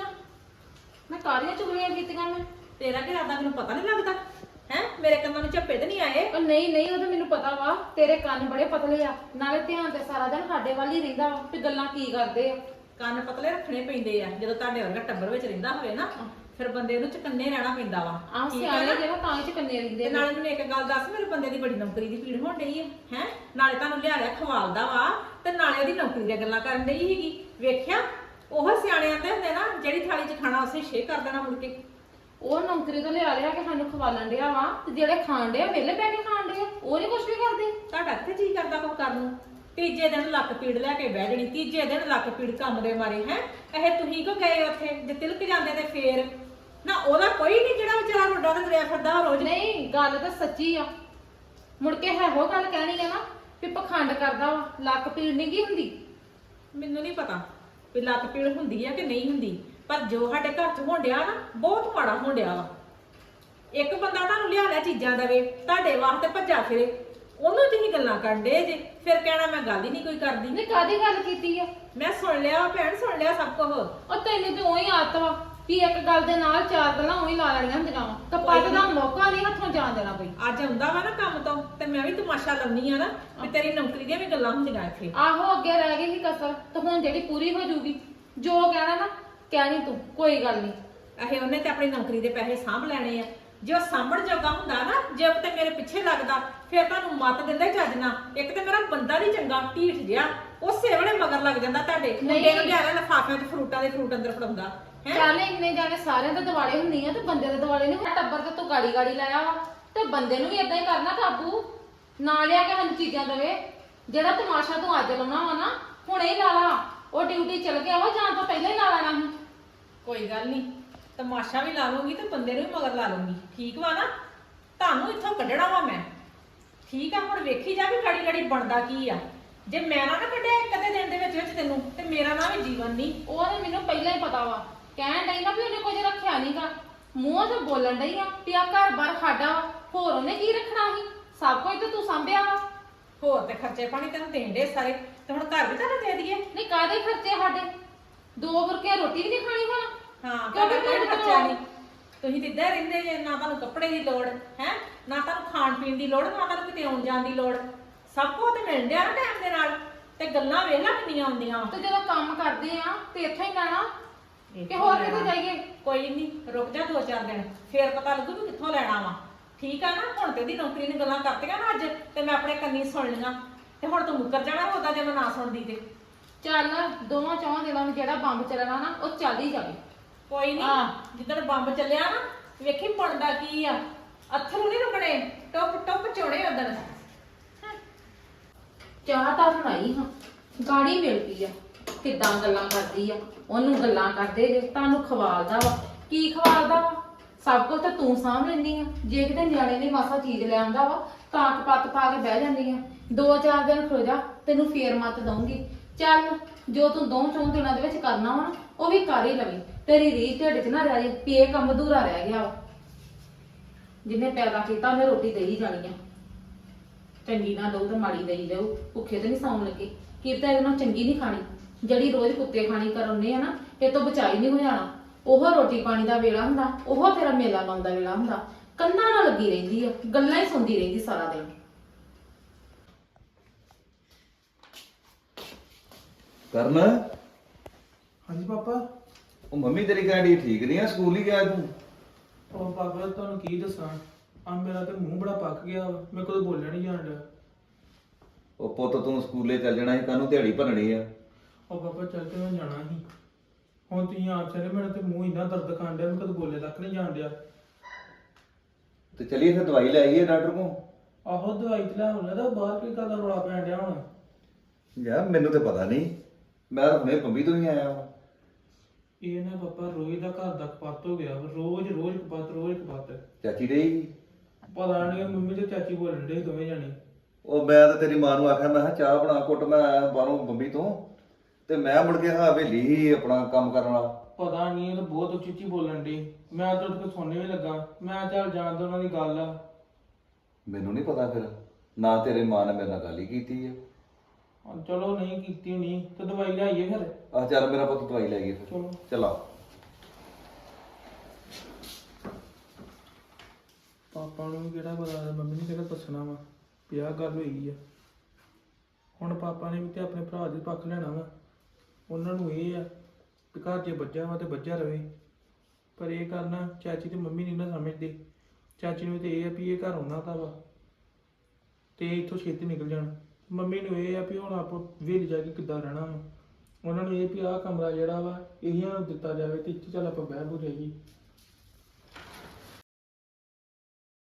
ਮੈਂ ਕਾਰੀਆਂ ਚੁਗਲੀਆਂ ਕੀਤੀਆਂ ਮੈਂ? ਤੇਰਾ ਕੀ ਇਰਾਦਾ ਮੈਨੂੰ ਪਤਾ ਨਹੀਂ ਲੱਗਦਾ ਹੈ? ਮੇਰੇ ਕੰਨਾਂ ਨੂੰ ਝੱਪੇ ਤੇ ਨਹੀਂ ਆਏ? ਉਹ ਨਹੀਂ ਨਹੀਂ, ਉਹ ਤਾਂ ਮੈਨੂੰ ਪਤਾ ਵਾ, ਤੇਰੇ ਕੰਨ ਬੜੇ ਪਤਲੇ ਆ, ਨਾਲੇ ਧਿਆਨ ਤੇ ਸਾਰਾ ਦਿਨ ਸਾਡੇ ਵੱਲ ਹੀ ਰਹਿੰਦਾ ਵਾ ਵੀ ਗੱਲਾਂ ਕੀ ਕਰਦੇ ਆ। ਕੰਨ ਪਤਲੇ ਰੱਖਣੇ ਪੈਂਦੇ ਆ ਜਦੋਂ ਤੁਹਾਡੇ ਵਰਗਾ ਟੱਬਰ ਵਿੱਚ ਰਹਿੰਦਾ ਹੋਵੇ ਨਾ, ਫਿਰ ਬੰਦੇ ਨੂੰ ਚਕੰਨੇ ਰਹਿਣਾ ਪੈਂਦਾ ਵਾ। ਆਹ ਠੀਕ ਆ ਸਿਆਣੇ ਨਾ? ਜਿਹੜਾ ਤਾਂ ਹੀ ਚਕੰਨੇ ਤੇ ਰਹਿੰਦੇ ਨਾਲੇ ਮੈਨੂੰ ਇੱਕ ਗੱਲ ਦੱਸ, ਮੇਰੇ ਬੰਦੇ ਦੀ ਬੜੀ ਨੌਕਰੀ ਦੀ ਪੀੜ ਹੋਣ ਡਈ ਹੈ ਨਾਲੇ ਤੁਹਾਨੂੰ ਲਿਆ ਲਿਆ ਖਵਾਲਦਾ ਵਾ ਤੇ ਨਾਲੇ ਉਹਦੀ ਨੌਕਰੀ ਦੀਆਂ ਗੱਲਾਂ ਕਰਨ ਡਈ ਸੀਗੀ। ਵੇਖਿਆ ਉਹ ਸਿਆਣੇ ਆਂਦੇ ਹੁੰਦੇ ਨਾ, ਜਿਹੜੀ ਥਾਲੀ 'ਚ ਖਾਣਾ ਉਸੇ ਛੇ ਕਰ ਦੇਣਾ ਮੁੜ ਕੇ। ਉਹ ਨੌਕਰੀ ਤੋਂ ਲਿਆ ਲਿਆ ਕੇ ਸਾਨੂੰ ਖਵਾਲਣ ਡਿਆ ਵਾ, ਤੇ ਜਿਹੜੇ ਖਾਣ ਡਿਆ ਵਿਹਲੇ ਬੈ ਕੇ ਖਾਣ ਡਿਆ, ਉਹ ਨਹੀਂ ਕੁਝ ਵੀ ਕਰਦੇ। ਤੁਹਾਡਾ ਕਿੱਥੇ ਜੀ ਕਰਦਾ ਕੁਝ ਕਰਨ ਨੂੰ? ਤੀਜੇ ਦਿਨ ਲੱਕ ਪੀੜ ਲੈ ਕੇ ਬਹਿ ਜਣੀ, ਤੀਜੇ ਦਿਨ ਲੱਕ ਪੀੜ ਕੰਮ ਦੇ ਮਾਰੇ ਹੈ। ਇਹ ਤੁਸੀਂ ਕੋ ਗਏ ਉੱਥੇ ਜੇ ਤਿਲਕ ਜਾਂਦੇ ਤੇ ਫੇਰ ਨਾ ਉਹਦਾ ਕੋਈ ਨਹੀਂ ਜਿਹੜਾ ਵਿਚਾਰਾ ਰੋਡਾ ਤੇ ਤੁਰਿਆ ਫਿਰਦਾ ਰੋਜ਼। ਨਹੀਂ, ਗੱਲ ਤਾਂ ਸੱਚੀ ਆ। ਮੁੜ ਕੇ ਇਹੋ ਗੱਲ ਕਹਿਣੀ ਆ ਨਾ ਵੀ ਪਖੰਡ ਕਰਦਾ ਵਾ, ਲੱਕ ਪੀੜ ਨਹੀਂ ਕੀ ਹੁੰਦੀ। ਮੈਨੂੰ ਨਹੀਂ ਪਤਾ ਵੀ ਲੱਕ ਪੀੜ ਹੁੰਦੀ ਆ ਕਿ ਨਹੀਂ ਹੁੰਦੀ, ਪਰ ਜੋ ਸਾਡੇ ਘਰ 'ਚ ਹੋਣ ਡਿਆ ਨਾ ਬਹੁਤ ਮਾੜਾ ਹੋਣ ਡਿਆ ਵਾ। ਇੱਕ ਬੰਦਾ ਤੁਹਾਨੂੰ ਲਿਆ ਲਿਆ ਚੀਜ਼ਾਂ ਦੇਵੇ, ਤੁਹਾਡੇ ਵਾਸਤੇ ਭੱਜਾ ਫਿਰੇ, ਉਹਨੂੰ ਤੁਸੀਂ ਗੱਲਾਂ ਕਰਨ ਡੇ ਜੇ, ਫਿਰ ਕਹਿਣਾ ਮੈਂ ਗੱਲ ਹੀ ਨਹੀਂ ਕੋਈ ਕਰਦੀ। ਨੇ ਕਾਦੀ ਗੱਲ ਕੀਤੀ ਆ? ਮੈਂ ਸੁਣ ਲਿਆ ਭੈਣ, ਸੁਣ ਲਿਆ ਸਭ ਕੁਝ। ਉਹ ਤੈਨੂੰ ਤੇ ਉਹੀ ਆਦਤ ਵਾ ਵੀ ਇੱਕ ਗੱਲ ਦੇ ਨਾਲ ਚਾਰ ਗੱਲਾਂ ਉਹੀ ਲਾ ਲੈਣੀਆਂ ਹੁੰਦੀਆਂ ਵਾ, ਕਪੱਤ ਦਾ ਮੌਕਾ ਨਹੀਂ ਹੱਥੋਂ ਜਾਣ ਦੇਣਾ ਕੋਈ। ਅੱਜ ਆਉਂਦਾ ਵਾ ਨਾ ਕੰਮ ਤੋਂ ਤੇ ਮੈਂ ਵੀ ਤਮਾਸ਼ਾ ਲਾਉਣੀ ਆ ਨਾ ਵੀ ਤੇਰੀ ਨੌਕਰੀ ਦੀਆਂ ਵੀ ਗੱਲਾਂ ਹੁੰਦੀਆਂ ਇੱਥੇ। ਆਹੋ, ਅੱਗੇ ਰਹਿ ਗਈ ਸੀ ਕਸਰ, ਤੇ ਹੁਣ ਜਿਹੜੀ ਪੂਰੀ ਹੋ ਜੂਗੀ। ਜੋ ਕਹਿਣਾ ਨਾ ਕਹਿਣੀ ਤੂੰ, ਕੋਈ ਗੱਲ ਨਹੀਂ। ਇਹ ਉਹਨੇ ਤੇ ਆਪਣੀ ਨੌਕਰੀ ਦੇ ਪੈਸੇ ਸਾਂਭ ਲੈਣੇ ਆ। ਜੇ ਉਹ ਸਾਂਭਣ ਜੋਗਾ ਹੁੰਦਾ ਨਾ, ਜੇ ਉਹ ਤੇ ਮੇਰੇ ਪਿੱਛੇ ਲੱਗਦਾ, ਫਿਰ ਤੁਹਾਨੂੰ ਮੱਤ ਦਿੰਦਾ ਚੱਜ ਨਾਲ। ਇੱਕ ਤੇ ਮੇਰਾ ਬੰਦਾ ਨਹੀਂ ਚੰਗਾ, ਢੀਠ ਜਿਹਾ, ਉਸੇ ਵੇਲੇ ਮਗਰ ਲੱਗ ਜਾਂਦਾ ਤੁਹਾਡੇ ਮੁੰਡੇ ਨੂੰ ਲਿਆ ਲਿਫਾਫਿਆਂ 'ਚ ਫਰੂਟਾਂ ਦੇ ਫਰੂਟ ਅੰਦਰ ਫੜਾਉਂਦਾ ਹੈ। ਚੱਲ ਇੰਨੇ ਜਾਣੇ ਸਾਰਿਆਂ ਦੇ ਦਿਵਾਲੇ ਹੁੰਦੀ ਆ, ਤੇ ਬੰਦੇ ਦੇ ਦਿਵਾਲੇ ਨਹੀਂ। ਟੱਬਰ ਤੇ ਤੂੰ ਗਾੜੀ ਗਾੜੀ ਲਾਇਆ ਵਾ, ਤੇ ਬੰਦੇ ਨੂੰ ਵੀ ਇਦਾਂ ਹੀ ਕਰਨਾ ਕਾਬੂ ਨਾ ਲਿਆ ਕੇ ਸਾਨੂੰ ਚੀਜ਼ਾਂ ਦੇਵੇ। ਜਿਹੜਾ ਤਮਾਸ਼ਾ ਤੂੰ ਅੱਜ ਲਾਉਣਾ ਵਾ ਨਾ, ਹੁਣੇ ਹੀ ਲਾ ਲਾ। ਉਹ ਡਿਊਟੀ ਚਲ ਗਿਆ ਵਾ, ਜਾਣ ਤੋਂ ਪਹਿਲਾਂ ਹੀ ਲਾ ਲੈਣਾ ਸੀ। ਕੋਈ ਗੱਲ ਨਹੀਂ, ਤਮਾਸ਼ਾ ਵੀ ਲਾ ਲੂੰਗੀ ਤੇ ਬੰਦੇ ਨੂੰ ਵੀ ਮਗਰ ਲਾ ਲੂੰਗੀ। ਠੀਕ ਵਾ ਨਾ? ਤੁਹਾਨੂੰ ਇੱਥੋਂ ਕੱਢਣਾ ਵਾ ਮੈਂ। ਠੀਕ ਆ, ਹੁਣ ਵੇਖੀ ਜਾ ਵੀ ਗਾੜੀ ਗਾੜੀ ਬਣਦਾ ਕੀ ਆ। ਜੇ ਮੈਂ ਨਾ ਕੱਢਿਆ ਇੱਕ ਅੱਧੇ ਦਿਨ ਦੇ ਵਿੱਚ ਤੈਨੂੰ, ਤੇ ਮੇਰਾ ਨਾ ਵੀ ਜੀਵਨ ਨਹੀਂ। ਉਹ ਤੇ ਮੈਨੂੰ ਪਹਿਲਾਂ ਹੀ ਪਤਾ ਵਾ, ਕਹਿਣ ਡਈ ਨਾ ਵੀ ਉਹਨੇ ਕੁਝ ਰੱਖਿਆ ਨਹੀਂਗਾ, ਮੂੰਹ ਤੇ ਬੋਲਣ ਡਈ ਆ ਵੀ ਆ ਘਰ-ਬਾਰ ਸਾਡਾ ਵਾ, ਹੋਰ ਉਹਨੇ ਕੀ ਰੱਖਣਾ ਸੀ? ਸਭ ਕੁਝ ਤੇ ਤੂੰ ਸੰਭਿਆ ਵਾ। ਹੋਰ ਤੇ ਖਰਚੇ ਪਾਣੀ ਤੈਨੂੰ ਦੇਣ ਦੇ ਸਾਰੇ, ਤੇ ਹੁਣ ਘਰ ਵੀ ਤੁਹਾਨੂੰ ਦੇ ਦਈਏ। ਨਹੀਂ, ਕਾਹਦੇ ਖਰਚੇ ਸਾਡੇ? 2 ਬੁਰਕੇ ਰੋਟੀ ਵੀ ਨਹੀਂ ਖਾਣੀ ਹੁਣ। ਹਾਂ, ਕਿਉਂਕਿ ਤੁਹਾਡਾ ਕੋਈ ਮੇਰੇ ਖਰਚਾ ਕੋਲ- ਨਹੀਂ। ਤੁਸੀਂ ਤੇ ਇੱਦਾਂ ਰਹਿੰਦੇ ਜੇ, ਨਾ ਤੁਹਾਨੂੰ ਕੱਪੜੇ ਦੀ ਲੋੜ ਹੈ, ਨਾ ਤੁਹਾਨੂੰ ਖਾਣ ਪੀਣ ਦੀ ਲੋੜ, ਨਾ ਤੁਹਾਨੂੰ ਕਿਤੇ ਆਉਣ ਜਾਣ ਦੀ ਲੋੜ। ਸਭ ਕੁਝ ਤੇ ਮਿਲ ਡਿਆ ਨਾ ਟਾਈਮ ਦੇ ਨਾਲ। ਤੇ ਗੱਲਾਂ ਵੇਖ ਲੈ ਕਿੰਨੀਆਂ ਆਉਂਦੀਆਂ ਵਾ। ਤੇ ਜਦੋਂ ਕੰਮ ਕਰਦੇ ਆ ਤੇ ਇੱਥੇ ਹੀ ਲੈਣਾ ਕਿ ਹੋਰ ਕਿਤੇ ਜਾਈਏ? ਕੋਈ ਨਹੀਂ, ਰੁਕ ਜਾ 2-4 ਦਿਨ, ਫੇਰ ਪਤਾ ਲੱਗੂ ਵੀ ਕਿੱਥੋਂ ਲੈਣਾ ਵਾ। ਠੀਕ ਆ ਨਾ? ਹੁਣ ਤੇ ਦੀ ਨੌਕਰੀ ਨੇ ਗੱਲਾਂ ਕਰਤੀਆਂ ਨਾ ਅੱਜ, ਤੇ ਮੈਂ ਆਪਣੇ ਕੰਨੀ ਸੁਣ ਲਈਆਂ, ਤੇ ਹੁਣ ਤੂੰ ਮੁੱਕਰ ਜਾਣਾ ਉਹਦਾ ਜੇ ਮੈਂ ਨਾ ਸੁਣਦੀ ਤੇ। ਚੱਲ 2-4 ਦਿਨਾਂ ਨੂੰ ਜਿਹੜਾ ਬੰਬ ਚੱਲਣਾ ਨਾ, ਉਹ ਚੱਲ ਹੀ ਜਾਵੇ। ਕੋਈ ਨਹੀਂ, ਹਾਂ। ਜਿੱਦਣ ਬੰਬ ਚੱਲਿਆ ਨਾ, ਵੇਖੀ ਬਣਦਾ ਕੀ ਆ। ਅੱਥਰੂ ਨਹੀਂ ਰੁਕਣੇ, ਟੁੱਪ ਟੁੱਪ ਚੋਣੇ ਉਦਣ। ਚਾਹ ਤਾਂ ਬਣਾਈ ਹਾਂ, ਗਾੜੀ ਮਿਲ ਪਈ ਆ, ਕਿੱਦਾਂ ਗੱਲਾਂ ਕਰਦੀ ਆ। ਉਹਨੂੰ ਗੱਲਾਂ ਕਰਦੇ ਜੇ, ਤੁਹਾਨੂੰ ਖਵਾਲਦਾ ਵਾ। ਕੀ ਖਵਾਲਦਾ ਵਾ? ਸਭ ਕੁਝ ਤਾਂ ਤੂੰ ਸਾਂਭ ਲੈਂਦੀ ਆ। ਜੇ ਕਿਤੇ ਨਿਆਣੇ ਨੇ ਮਾਸਾ ਚੀਜ਼ ਲੈ ਆਉਂਦਾ ਵਾ, ਤਾਂ ਕਪੱਤ ਪਾ ਕੇ ਬਹਿ ਜਾਂਦੀ ਆ। 2-4 ਦਿਨ ਖਲੋ ਜਾ, ਤੈਨੂੰ ਫੇਰ ਮੱਤ ਦਊਂਗੀ। ਚੱਲ, ਜੋ ਤੂੰ 2-4 ਦਿਨਾਂ ਦੇ ਵਿੱਚ ਕਰਨਾ ਵਾ, ਉਹ ਵੀ ਕਰ ਹੀ ਲਵੀਂ। ਤੇਰੀ ਰੀਝ ਢਿੱਡ 'ਚ ਨਾ ਰਹਿ ਜੇ ਵੀ ਇਹ ਕੰਮ ਅਧੂਰਾ ਰਹਿ ਗਿਆ ਵਾ। ਜਿਹਨੇ ਪੈਦਾ ਕੀਤਾ ਉਹਨੇ ਰੋਟੀ ਦੇ ਹੀ ਜਾਣੀ ਆ। ਚੰਗੀ ਨਾ ਦਊ ਤੇ ਮਾੜੀ ਦੇਈ ਜਾਊ। ਭੁੱਖੇ ਤੇ ਨਹੀਂ ਸੌਣ ਲੱਗੇ। ਕੀ ਪਤਾ ਇਹਦੇ ਨਾਲ ਚੰਗੀ ਨਹੀਂ ਖਾਣੀ, ਜਿਹੜੀ ਰੋਜ਼ ਕੁੱਤੇ ਖਾਣੀ ਕਰਾਉਂਦੇ ਆ ਨਾ, ਇਹ ਤੋਂ ਬਚਾਈ ਨਹੀਂ ਹੋ ਜਾਣਾ। ਉਹ ਰੋਟੀ ਪਾਣੀ ਦਾ ਵੇਲਾ ਹੁੰਦਾ, ਉਹ ਤੇਰਾ ਮੇਲਾ ਲਾਉਣ ਦਾ ਵੇਲਾ ਹੁੰਦਾ। ਕੰਨਾਂ ਨਾਲ ਲੱਗੀ ਰਹਿੰਦੀ ਆ, ਗੱਲਾਂ ਹੀ ਸੁਣਦੀ ਰਹਿੰਦੀ ਸਾਰਾ ਦਿਨ। ਕਰਨ, ਹਾਂਜੀ ਪਾਪਾ। ਉਹ ਮੰਮੀ ਤੇਰੀ ਕਹਿੰਦੀ ਠੀਕ ਨਹੀਂ ਆ, ਸਕੂਲ ਹੀ ਗਿਆ ਤੂੰ? ਉਹ ਪਾਪਾ ਤੁਹਾਨੂੰ ਕੀ ਦੱਸਾਂ, ਆ ਮੇਰਾ ਤੇ ਮੂੰਹ ਬੜਾ ਪੱਕ ਗਿਆ ਵਾ, ਮੇਰੇ ਕੋਲ ਬੋਲਿਆ ਨਹੀਂ ਜਾਣ ਡਿਆ। ਉਹ ਪੁੱਤ ਤੂੰ ਸਕੂਲੇ ਚੱਲ ਜਾਣਾ ਸੀ, ਕਾਹਨੂੰ ਦਿਹਾੜੀ ਭੰਨਣੀ ਆ? ਉਹ ਪਾਪਾ ਚੱਲ ਕੇ ਮੈਂ ਜਾਣਾ ਸੀ। ਹੁਣ ਤੁਸੀਂ ਆਪ ਚਲੇ, ਮੇਰਾ ਤੇ ਮੂੰਹ ਇੰਨਾ ਦਰਦ ਖਾਣ ਡਿਆ, ਮੈਂ ਕਦੇ ਬੋਲੇ ਤੱਕ ਨਹੀਂ ਜਾਣ ਡਿਆ। ਤੇ ਚਲੀਏ ਫਿਰ ਦਵਾਈ ਲੈ ਆਈਏ ਡਾਕਟਰ ਕੋਲ। ਆਹੋ ਦਵਾਈ ਤੇ ਲੈ ਆਉਣਾ ਤਾਂ ਬਾਹਰ ਕੀ ਕਰਦਾ ਰੌਲਾ ਪੈਣ ਡਿਆ ਹੁਣ। ਯਾਰ ਮੈਨੂੰ ਤੇ ਪਤਾ ਨਹੀਂ, ਮੈਂ ਤਾਂ ਹੁਣੇ ਬੰਬੀ ਤੋਂ ਹੀ ਆਇਆ ਵਾਂ। ਇਹ ਨਾ ਪਾਪਾ ਰੋਜ਼ ਦਾ ਘਰ ਦਾ ਕਪੱਤ ਹੋ ਗਿਆ ਵਾ, ਰੋਜ਼ ਰੋਜ਼ ਕਪੱਤ, ਰੋਜ਼ ਕਪੱਤ। ਚਾਚੀ ਰਹੀ। ਪਤਾ ਨਹੀਂ ਮੰਮੀ ਤੇ ਚਾਚੀ ਬੋਲਣ ਡੇ ਦੋਵੇਂ ਜਾਣੇ। ਉਹ ਮੈਂ ਤਾਂ ਤੇਰੀ ਮਾਂ ਨੂੰ ਆਖਿਆ, ਮੈਂ ਕਿਹਾ ਚਾਹ ਬਣਾ ਘੁੱਟ, ਮੈਂ ਆਇਆ ਬਾਹਰੋਂ ਬੰਬੀ ਤੋਂ, ਤੇ ਮੈਂ ਮੁੜ ਕੇ ਹਵੇਲੀ ਹੀ ਆਪਣਾ ਕੰਮ ਕਰਨ ਵਾਲਾ। ਪਤਾ ਨਹੀਂ ਇਹ ਤਾਂ ਬਹੁਤ ਉੱਚੀ ਉੱਚੀ ਬੋਲਣ ਡੇ। ਮੈਂ ਤਾਂ ਉਹਦੇ ਕੋਲ ਸੁਣਨੇ ਵੀ ਲੱਗਾ, ਮੈਂ ਚੱਲ ਜਾਣ ਦੋ ਉਹਨਾਂ ਦੀ ਗੱਲ ਆ। ਮੈਨੂੰ ਨਹੀਂ ਪਤਾ ਫਿਰ, ਨਾ ਤੇਰੇ ਮਾਂ ਨੇ ਮੇਰੇ ਨਾਲ ਗੱਲ ਹੀ ਕੀਤੀ ਆ। ਹੁਣ ਚਲੋ ਨਹੀਂ ਕੀਤੀ ਹੋਣੀ ਤੇ ਦਵਾਈ ਲਿਆਈਏ ਫਿਰ। ਆ ਚੱਲ ਮੇਰਾ ਪੁੱਤ ਦਵਾਈ ਲੈ ਗਈ ਫਿਰ। ਚਲੋ ਚਲਾ। ਪਾਪਾ ਨੂੰ ਵੀ ਕਿਹੜਾ ਪਤਾ, ਮੰਮੀ ਨੇ ਕਿਹੜਾ ਦੱਸਣਾ ਵਾ ਵੀ ਆਹ ਗੱਲ ਹੋਈ ਆ। ਹੁਣ ਪਾਪਾ ਨੇ ਵੀ ਤੇ ਆਪਣੇ ਭਰਾ ਦੇ ਪੱਖ ਲੈਣਾ ਵਾ। ਉਹਨਾਂ ਨੂੰ ਇਹ ਆ ਵੀ ਘਰ ਜੇ ਬੱਝਾ ਵਾ ਤੇ ਬੱਝਾ ਰਵੇ। ਪਰ ਇਹ ਕਰਨਾ ਚਾਚੀ ਤੇ ਮੰਮੀ ਨਹੀਂ ਨਾ ਸਮਝਦੇ। ਚਾਚੀ ਨੂੰ ਤੇ ਇਹ ਆ ਵੀ ਇਹ ਘਰ ਉਹਨਾਂ ਦਾ ਵਾ ਤੇ ਇੱਥੋਂ ਛੇਤੀ ਨਿਕਲ ਜਾਣ। ਮੰਮੀ ਨੂੰ ਇਹ ਆ ਵੀ ਹੁਣ ਆਪ ਵੇਲ ਜਾ ਕੇ ਕਿੱਦਾਂ ਰਹਿਣਾ ਵਾ। ਉਹਨਾਂ ਨੂੰ ਇਹ ਵੀ ਆਹ ਕਮਰਾ ਜਿਹੜਾ ਵਾ ਇਹ ਨੂੰ ਦਿੱਤਾ ਜਾਵੇ ਤੇ ਇੱਥੇ ਚੱਲ ਆਪਾਂ ਬਹਿ ਬੂ ਜਾਈਏ।